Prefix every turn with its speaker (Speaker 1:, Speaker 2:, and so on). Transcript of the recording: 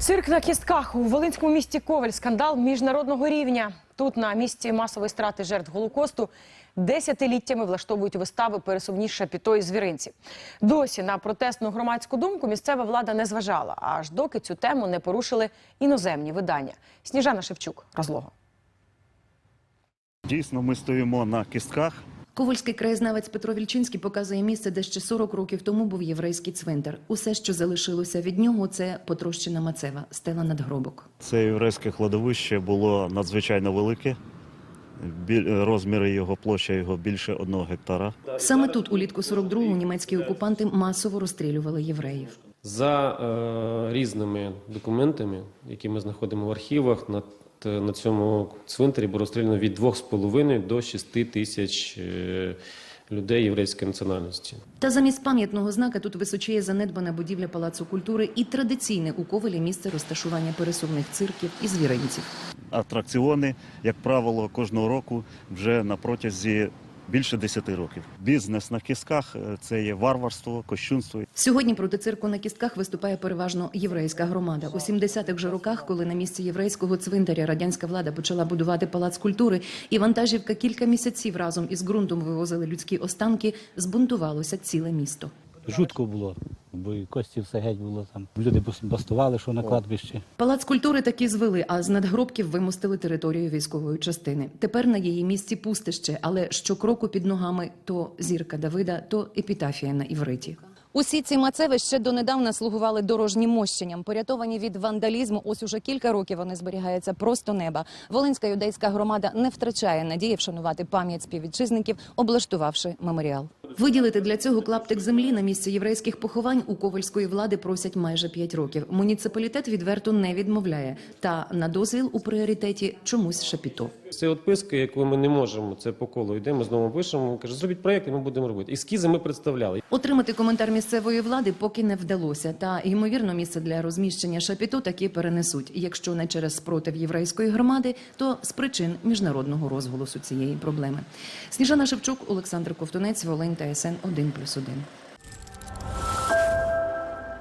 Speaker 1: Цирк на кістках. У волинському місті Ковель скандал міжнародного рівня. Тут, на місці масової страти жертв Голокосту, десятиліттями влаштовують вистави пересувні шапіто і звіринці. Досі на протестну громадську думку місцева влада не зважала, аж доки цю тему не порушили іноземні видання. Сніжана Шевчук, розлого.
Speaker 2: Дійсно, ми стоїмо на кістках.
Speaker 3: Ковальський краєзнавець Петро Вільчинський показує місце, де ще 40 років тому був єврейський цвинтар. Усе, що залишилося від нього, це потрощена мацева, стела надгробок.
Speaker 2: Це єврейське кладовище було надзвичайно велике. Розміри його, площа його більше 1 гектара.
Speaker 3: Саме тут, улітку 42-го, німецькі окупанти масово розстрілювали євреїв.
Speaker 4: За різними документами, які ми знаходимо в архівах, на цьому цвинтарі було розстріляно від 2,5 до 6 тисяч людей єврейської національності.
Speaker 3: Та замість пам'ятного знака тут височіє занедбана будівля Палацу культури і традиційне у Ковелі місце розташування пересувних цирків і звіринців.
Speaker 2: Атракціони, як правило, кожного року вже на протязі більше 10 років. Бізнес на кістках – це є варварство, кощунство.
Speaker 3: Сьогодні проти цирку на кістках виступає переважно єврейська громада. У 70-х же роках, коли на місці єврейського цвинтаря радянська влада почала будувати Палац культури, і вантажівка кілька місяців разом із ґрунтом вивозили людські останки, збунтувалося ціле місто.
Speaker 5: Жутко було, бо і кості все геть було там. Люди бастували, що на кладбищі.
Speaker 3: Палац культури таки звели, а з надгробків вимостили територію військової частини. Тепер на її місці пустище, але щокроку під ногами то зірка Давида, то епітафія на івриті. Усі ці мацеви ще донедавна слугували дорожнім мощенням. Порятовані від вандалізму, ось уже кілька років вони зберігаються просто неба. Волинська юдейська громада не втрачає надії вшанувати пам'ять співвітчизників, облаштувавши меморіал. Виділити для цього клаптик землі на місці єврейських поховань у ковальської влади просять майже 5 років. Муніципалітет відверто не відмовляє. Та на дозвіл у пріоритеті чомусь шапіто.
Speaker 4: Це відписка, яку ми не можемо, це по колу йдемо, знову пишемо, каже, зробіть проєкт і ми будемо робити. Ескізи ми представляли.
Speaker 3: Отримати коментар місцевої влади поки не вдалося. Та, ймовірно, місце для розміщення шапіто таки перенесуть. Якщо не через спротив єврейської громади, то з причин міжнародного розголосу цієї проблеми. Сніжана Шевчук, Олександр Ковтунець, Волинь, ТСН 1+1.